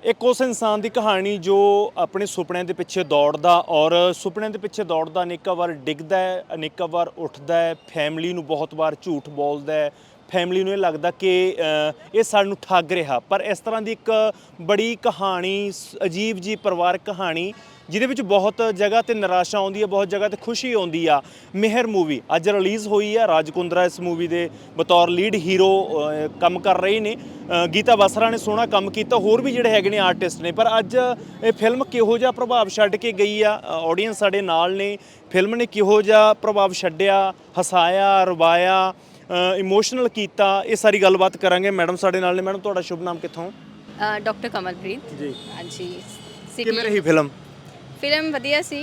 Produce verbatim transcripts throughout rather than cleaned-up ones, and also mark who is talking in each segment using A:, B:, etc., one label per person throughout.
A: ਇੱਕ ਉਸ ਇਨਸਾਨ ਦੀ ਕਹਾਣੀ ਜੋ ਆਪਣੇ ਸੁਪਨਿਆਂ ਦੇ ਪਿੱਛੇ ਦੌੜਦਾ ਔਰ ਸੁਪਨਿਆਂ ਦੇ ਪਿੱਛੇ ਦੌੜਦਾ ਅਨੇਕਾਂ ਵਾਰ ਡਿੱਗਦਾ ਹੈ, ਅਨੇਕਾਂ ਵਾਰ ਉੱਠਦਾ ਹੈ, ਫੈਮਿਲੀ ਨੂੰ ਬਹੁਤ ਵਾਰ ਝੂਠ ਬੋਲਦਾ ਹੈ, ਫੈਮਿਲੀ ਨੂੰ ਇਹ ਲੱਗਦਾ ਕਿ ਅ, ਇਹ ਸਾਨੂੰ ਠੱਗ ਰਿਹਾ। ਪਰ ਇਸ ਤਰ੍ਹਾਂ ਦੀ ਇੱਕ ਬੜੀ ਕਹਾਣੀ, ਸ- ਅਜੀਬ ਜੀ ਪਰਿਵਾਰਕ ਕਹਾਣੀ ਜਿਹਦੇ ਵਿੱਚ ਬਹੁਤ ਜਗ੍ਹਾ ਤੇ ਨਿਰਾਸ਼ਾ ਆਉਂਦੀ ਹੈ, ਬਹੁਤ ਜਗ੍ਹਾ ਤੇ ਖੁਸ਼ੀ ਆਉਂਦੀ ਆ। ਮਿਹਰ ਮੂਵੀ ਅੱਜ ਰਿਲੀਜ਼ ਹੋਈ ਆ। ਰਾਜ ਕੁੰਦਰਾ ਇਸ ਮੂਵੀ ਦੇ ਬਤੌਰ ਲੀਡ ਹੀਰੋ ਕੰਮ ਕਰ ਰਹੇ ਨੇ। ਅ, ਗੀਤਾ ਬਸਰਾ ਨੇ ਸੋਹਣਾ ਕੰਮ ਕੀਤਾ, ਹੋਰ ਵੀ ਜਿਹੜੇ ਹੈਗੇ ਨੇ ਆਰਟਿਸਟ ਨੇ। ਪਰ ਅੱਜ ਇਹ ਫਿਲਮ ਕਿਹੋ ਜਿਹਾ ਪ੍ਰਭਾਵ ਛੱਡ ਕੇ ਗਈ ਆ, ਆਡੀਅנס ਸਾਡੇ ਨਾਲ ਨੇ। ਫਿਲਮ ਨੇ ਕਿਹੋ ਜਿਹਾ ਪ੍ਰਭਾਵ ਛੱਡਿਆ, ਹਸਾਇਆ, ਰਵਾਇਆ, ਇਮੋਸ਼ਨਲ ਕੀਤਾ, ਇਹ ਸਾਰੀ ਗੱਲਬਾਤ ਕਰਾਂਗੇ। ਮੈਡਮ ਸਾਡੇ ਨਾਲ ਨੇ। ਮੈਡਮ ਤੁਹਾਡਾ ਸ਼ੁਭ ਨਾਮ, ਕਿੱਥੋਂ?
B: ਡਾਕਟਰ ਕਮਲਪ੍ਰੀਤ
A: ਜੀ।
B: ਹਾਂਜੀ।
A: ਕਿਵੇਂ ਰਹੀ ਫਿਲਮ?
B: ਫਿਲਮ ਵਧੀਆ ਸੀ।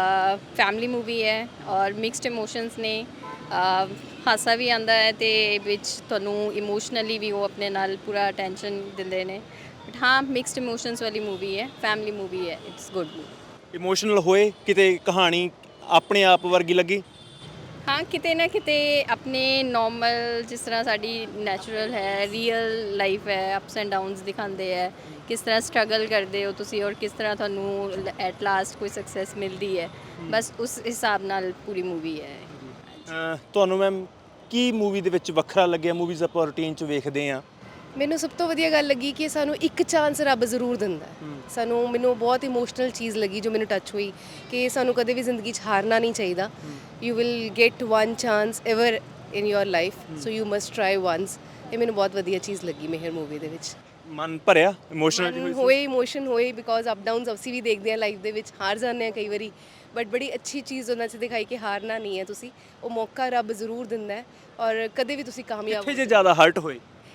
B: ਫੈਮਿਲੀ ਮੂਵੀ ਹੈ ਔਰ ਮਿਕਸਡ ਇਮੋਸ਼ਨਸ ਨੇ। ਅ, ਹਾਸਾ ਵੀ ਆਉਂਦਾ ਹੈ ਤੇ ਵਿੱਚ ਤੁਹਾਨੂੰ ਇਮੋਸ਼ਨਲੀ ਵੀ ਉਹ ਆਪਣੇ ਨਾਲ ਪੂਰਾ ਅਟੈਂਸ਼ਨ ਦਿੰਦੇ ਨੇ। ਬਟ ਹਾਂ, ਮਿਕਸਡ ਇਮੋਸ਼ਨਸ ਵਾਲੀ ਮੂਵੀ ਹੈ, ਫੈਮਿਲੀ ਮੂਵੀ ਹੈ, ਇਟਸ ਗੁੱਡ ਮੂਵੀ।
A: ਇਮੋਸ਼ਨਲ ਹੋਏ ਕਿਤੇ? ਕਹਾਣੀ ਆਪਣੇ ਆਪ ਵਰਗੀ ਲੱਗੀ?
B: ਹਾਂ, ਕਿਤੇ ਨਾ ਕਿਤੇ ਆਪਣੇ ਨੋਰਮਲ, ਜਿਸ ਤਰ੍ਹਾਂ ਸਾਡੀ ਨੈਚੁਰਲ ਹੈ, ਰੀਅਲ ਲਾਈਫ ਹੈ, ਅਪਸ ਐਂਡ ਡਾਊਨਸ ਦਿਖਾਉਂਦੇ ਹੈ। ਕਿਸ ਤਰ੍ਹਾਂ ਸਟਰਗਲ ਕਰਦੇ ਹੋ ਤੁਸੀਂ ਔਰ ਕਿਸ ਤਰ੍ਹਾਂ ਤੁਹਾਨੂੰ ਐਟ ਲਾਸਟ ਕੋਈ ਸਕਸੈਸ ਮਿਲਦੀ ਹੈ। ਬਸ ਉਸ ਹਿਸਾਬ ਨਾਲ ਪੂਰੀ ਮੂਵੀ ਹੈ।
A: ਅ, ਤੁਹਾਨੂੰ ਮੈਮ ਕੀ ਮੂਵੀ ਦੇ ਵਿੱਚ ਵੱਖਰਾ ਲੱਗਿਆ? ਮੂਵੀਜ਼ ਆਪਾਂ ਰੂਟੀਨ 'ਚ ਵੇਖਦੇ ਹਾਂ।
C: ਮੈਨੂੰ ਸਭ ਤੋਂ ਵਧੀਆ ਗੱਲ ਲੱਗੀ ਕਿ ਸਾਨੂੰ ਇੱਕ ਚਾਂਸ ਰੱਬ ਜ਼ਰੂਰ ਦਿੰਦਾ ਹੈ। ਸਾਨੂੰ ਮੈਨੂੰ ਬਹੁਤ ਇਮੋਸ਼ਨਲ ਚੀਜ਼ ਲੱਗੀ ਜੋ ਮੈਨੂੰ ਟੱਚ ਹੋਈ ਕਿ ਸਾਨੂੰ ਕਦੇ ਵੀ ਜ਼ਿੰਦਗੀ 'ਚ ਹਾਰਨਾ ਨਹੀਂ ਚਾਹੀਦਾ। You will get one chance ever in your life, so you must try once. ਇਹ ਮੈਨੂੰ ਬਹੁਤ ਵਧੀਆ ਚੀਜ਼ ਲੱਗੀ ਮਿਹਰ ਮੂਵੀ ਦੇ ਵਿੱਚ।
A: ਮਨ ਭਰਿਆ, ਇਮੋਸ਼ਨਲ
C: ਮਨ ਹੋਏ, ਇਮੋਸ਼ਨ ਹੋਏ, ਬਿਕੋਜ਼ ਅਪ ਡਾਊਨਸ ਅਸੀਂ ਵੀ ਦੇਖਦੇ ਹਾਂ ਲਾਈਫ ਦੇ ਵਿੱਚ, ਹਾਰ ਜਾਂਦੇ ਹਾਂ ਕਈ ਵਾਰੀ। ਬਟ ਬੜੀ ਅੱਛੀ ਚੀਜ਼ ਉਹਨਾਂ 'ਚ ਦਿਖਾਈ ਕਿ ਹਾਰਨਾ ਨਹੀਂ ਹੈ ਤੁਸੀਂ, ਉਹ ਮੌਕਾ ਰੱਬ ਜ਼ਰੂਰ ਦਿੰਦਾ ਹੈ ਔਰ ਕਦੇ ਵੀ ਤੁਸੀਂ ਕਾਮਯਾਬ
A: ਕਿੱਥੇ ਜੇ ਜ਼ਿਆਦਾ ਹਰਟ ਹੋਏ?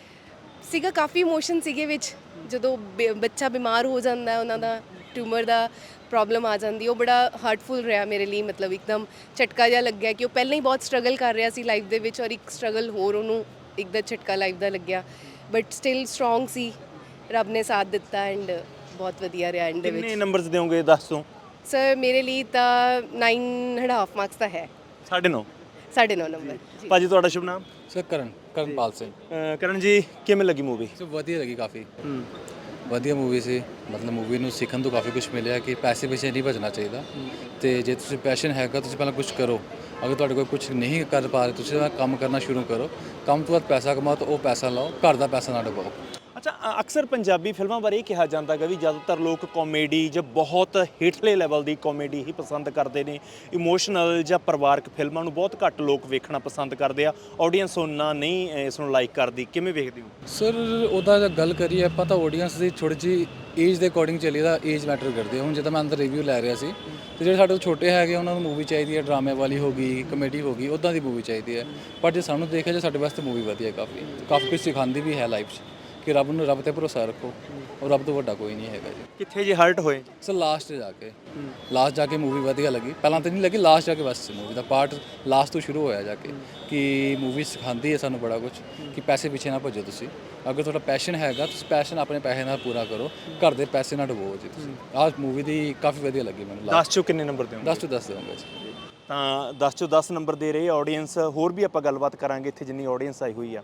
C: ਸੀਗਾ। ਕਾਫੀ ਇਮੋਸ਼ਨ ਸੀਗੇ ਵਿੱਚ, ਜਦੋਂ ਬ- ਬੱਚਾ ਬਿਮਾਰ ਹੋ ਜਾਂਦਾ ਹੈ, ਉਹਨਾਂ ਦਾ ਟਿਊਮਰ ਦਾ ਪ੍ਰੋਬਲਮ ਆ ਜਾਂਦੀ, ਉਹ ਬੜਾ ਹਾਰਟਫੁਲ ਰਿਹਾ ਮੇਰੇ ਲਈ। ਮਤਲਬ ਇੱਕਦਮ ਝਟਕਾ ਜਿਹਾ ਲੱਗਿਆ ਕਿ ਉਹ ਪਹਿਲਾਂ ਹੀ ਬਹੁਤ ਸਟਰਗਲ ਕਰ ਰਿਹਾ ਸੀ ਲਾਈਫ ਦੇ ਵਿੱਚ ਔਰ ਇੱਕ ਸਟਰਗਲ ਹੋਰ ਉਹਨੂੰ ਇੱਕਦਮ ਝਟਕਾ ਲਾਈਫ ਦਾ ਲੱਗਿਆ। ਬਟ ਸਟਿਲ ਸਟਰੋਂਗ ਸੀ, ਰੱਬ ਨੇ ਸਾਥ ਦਿੱਤਾ ਐਂਡ ਬਹੁਤ ਵਧੀਆ ਰਿਹਾ ਐਂਡ ਦੇ
A: ਕਿੰਨੇ
C: ਵਿੱਚ।
A: ਨੰਬਰਸ ਦਿਓਗੇ ਦਸ ਤੋਂ?
C: ਸਰ ਮੇਰੇ ਲਈ ਤਾਂ ਨਾਈਨ ਐਂਡ ਹਾਫ ਮਾਰਕਸ ਤਾਂ ਹੈ।
A: ਸਾਢੇ ਨੌ।
C: ਸਾਢੇ ਨੌ ਨੰਬਰ ਜੀ।
A: ਭਾਜੀ ਤੁਹਾਡਾ ਸ਼ੁਭ ਨਾਮ?
D: ਸਰ ਕਰਨ ਕਰਨਪਾਲ ਸਿੰਘ।
A: ਅ, ਕਰਨ ਜੀ ਕਿਵੇਂ ਲੱਗੀ ਮੂਵੀ?
D: ਸੋ ਵਧੀਆ ਲੱਗੀ, ਕਾਫੀ ਵਧੀਆ ਮੂਵੀ ਸੀ। ਮਤਲਬ ਮੂਵੀ ਨੂੰ ਸਿੱਖਣ ਤੋਂ ਕਾਫੀ ਕੁਝ ਮਿਲਿਆ ਕਿ ਪੈਸੇ ਪਿੱਛੇ ਨਹੀਂ ਭੱਜਣਾ ਚਾਹੀਦਾ। ਤੇ ਜੇ ਤੁਸੀਂ ਪੈਸ਼ਨ ਹੈਗਾ, ਤੁਸੀਂ ਪਹਿਲਾਂ ਕੁਝ ਕਰੋ। ਅਗਰ ਤੁਹਾਡੇ ਕੋਲ ਕੁਝ ਨਹੀਂ ਕਰ ਪਾ ਰਹੇ, ਤੁਸੀਂ ਕੰਮ ਕਰਨਾ ਸ਼ੁਰੂ ਕਰੋ। ਕੰਮ ਤੋਂ ਬਾਅਦ ਪੈਸਾ ਕਮਾਓ ਤਾਂ ਉਹ ਪੈਸਾ ਲਾਓ, ਘਰ ਦਾ ਪੈਸਾ ਨਾ ਡੁਬਾਓ।
A: ਅੱਛਾ, ਅ- ਅਕਸਰ ਪੰਜਾਬੀ ਫਿਲਮਾਂ ਬਾਰੇ ਇਹ ਕਿਹਾ ਜਾਂਦਾ ਗਾ ਵੀ ਜ਼ਿਆਦਾਤਰ ਲੋਕ ਕਾਮੇਡੀ ਜਾਂ ਬਹੁਤ ਹੇਠਲੇ ਲੈਵਲ ਦੀ ਕਾਮੇਡੀ ਹੀ ਪਸੰਦ ਕਰਦੇ ਨੇ। ਇਮੋਸ਼ਨਲ ਜਾਂ ਪਰਿਵਾਰਕ ਫਿਲਮਾਂ ਨੂੰ ਬਹੁਤ ਘੱਟ ਲੋਕ ਵੇਖਣਾ ਪਸੰਦ ਕਰਦੇ ਆ। ਆਡੀਅנס ਉਹਨਾਂ ਨਹੀਂ ਅ, ਇਸ ਨੂੰ ਲਾਈਕ ਕਰਦੀ। ਕਿਵੇਂ ਵੇਖਦੇ ਹੋ?
D: ਸਰ ਉਹਦਾ ਜੇ ਗੱਲ ਕਰੀਏ ਆਪਾਂ ਤਾਂ ਆਡੀਅנס ਦੀ ਥੋੜ੍ਹੀ ਜਿਹੀ ਏਜ ਦੇ ਅਕੋਰਡਿੰਗ ਚੱਲੀ ਦਾ, ਏਜ ਮੈਟਰ ਕਰਦੀ ਹੈ। ਹੁਣ ਜਿੱਦਾਂ ਮੈਂ ਅੰਦਰ ਰਿਵਿਊ ਲੈ ਰਿਹਾ ਸੀ, ਤੇ ਜਿਹੜੇ ਸਾਡੇ ਤੋਂ ਛੋਟੇ ਹੈਗੇ ਉਹਨਾਂ ਨੂੰ ਮੂਵੀ ਚਾਹੀਦੀ ਹੈ ਡਰਾਮੇ ਵਾਲੀ ਹੋ ਗਈ, ਕਮੇਡੀ ਹੋ ਗਈ, ਉੱਦਾਂ ਦੀ ਮੂਵੀ ਚਾਹੀਦੀ ਹੈ। ਪਰ ਜੇ ਸਾਨੂੰ ਦੇਖਿਆ ਜੇ ਸਾਡੇ ਵਾਸਤੇ ਮੂਵੀ ਵਧੀਆ, ਕਾਫੀ ਕਾਫੀ ਕੁਝ ਸਿਖਾਉਂਦੀ ਵੀ ਹੈ ਲਾਈਫ 'ਚ ਕਿ ਰੱਬ ਨੂੰ, ਰੱਬ ਤੇ ਭਰੋਸਾ ਰੱਖੋ ਔਰ ਰੱਬ ਤੋਂ ਵੱਡਾ ਕੋਈ ਨਹੀਂ ਹੈਗਾ ਜੀ।
A: ਕਿੱਥੇ ਜੇ ਹਰਟ ਹੋਏ?
D: ਸਰ ਲਾਸਟ ਜਾ ਕੇ ਲਾਸਟ ਜਾ ਕੇ ਮੂਵੀ ਵਧੀਆ ਲੱਗੀ। ਪਹਿਲਾਂ ਤਾਂ ਨਹੀਂ ਲੱਗੀ, ਲਾਸਟ ਜਾ ਕੇ ਬਸ ਮੂਵੀ ਦਾ ਪਾਰਟ ਲਾਸਟ ਤੋਂ ਸ਼ੁਰੂ ਹੋਇਆ ਜਾ ਕੇ ਕਿ ਮੂਵੀ ਸਿਖਾਉਂਦੀ ਹੈ ਸਾਨੂੰ ਬੜਾ ਕੁਝ ਕਿ ਪੈਸੇ ਪਿੱਛੇ ਨਾ ਭੱਜੋ ਤੁਸੀਂ। ਅਗਰ ਤੁਹਾਡਾ ਪੈਸ਼ਨ ਹੈਗਾ, ਤੁਸੀਂ ਪੈਸ਼ਨ ਆਪਣੇ ਪੈਸੇ ਨਾਲ ਪੂਰਾ ਕਰੋ, ਘਰ ਦੇ ਪੈਸੇ ਨਾ ਡੁਬੋ ਜੀ ਤੁਸੀਂ। ਆਹ ਮੂਵੀ ਦੀ ਕਾਫੀ ਵਧੀਆ ਲੱਗੀ ਮੈਨੂੰ।
A: ਦਸ ਚੋਂ ਕਿੰਨੇ ਨੰਬਰ ਦਿਓਗੇ?
D: ਦਸ ਤੋਂ ਦਸ ਦੇਵਾਂਗਾ ਜੀ।
A: ਤਾਂ ਦਸ ਚੋਂ ਦਸ ਨੰਬਰ ਦੇ ਰਹੇ ਆਡੀਅנס। ਹੋਰ ਵੀ ਆਪਾਂ ਗੱਲਬਾਤ ਕਰਾਂਗੇ ਇੱਥੇ ਜਿੰਨੀ ਆਡੀਅנס ਆਈ ਹੋਈ ਆ।